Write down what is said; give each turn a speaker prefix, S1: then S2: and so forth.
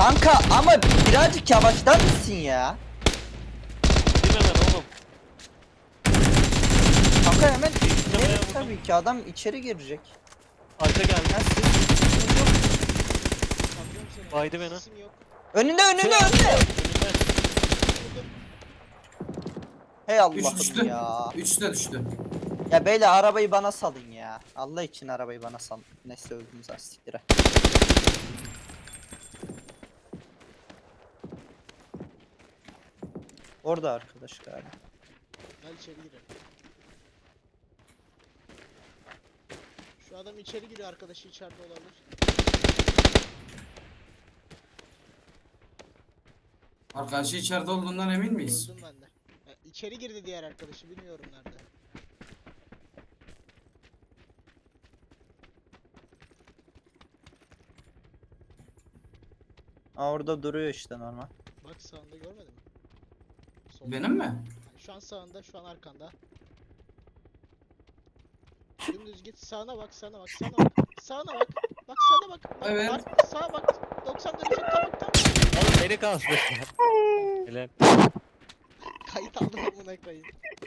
S1: Kanka ama birazcık yavaşlar mısın ya?
S2: Değil mi hemen oğlum?
S1: Kanka hemen
S2: Tamam,
S1: evet,
S2: vurdum.
S1: tabii ki adam içeri girecek.
S2: Arka geldi.
S1: Ya siz-
S3: Anlıyorum seni.
S2: Baydı beni.
S3: Sesim yok.
S1: Önünde önünde
S2: Şey
S1: önünde.
S2: Önümde.
S3: Vurdum.
S1: Hey
S4: 3
S1: Allah'ım
S4: düştü.
S1: ya.
S4: 3 de düştü.
S1: Ya beyler arabayı bana salın ya. Allah için arabayı bana salın. Neyse öldünüz astiktire. Orada arkadaş galiba.
S3: Gel içeri girelim. Şu adam içeri giriyor, arkadaşı içeride olabilir.
S4: Arkadaşı içeride olduğundan emin miyiz?
S3: Öldüm ben de. İçeri girdi diğer arkadaşı, bilmiyorum nerede.
S1: Aa, orada duruyor işte normal.
S3: Bak sağında, görmedin mi? Solda.
S4: Benim mi?
S3: Yani şu an sağında, şu an arkanda. Dümdüz git, sağına bak, sağına bak, sağına bak. Sağına bak. Bak sağına bak. Bak,
S4: Evet.
S3: sağa bak. 90 derece tam tam.
S2: Oğlum beni kaldı. Helal.
S3: Kayıt aldım, amına koyayım.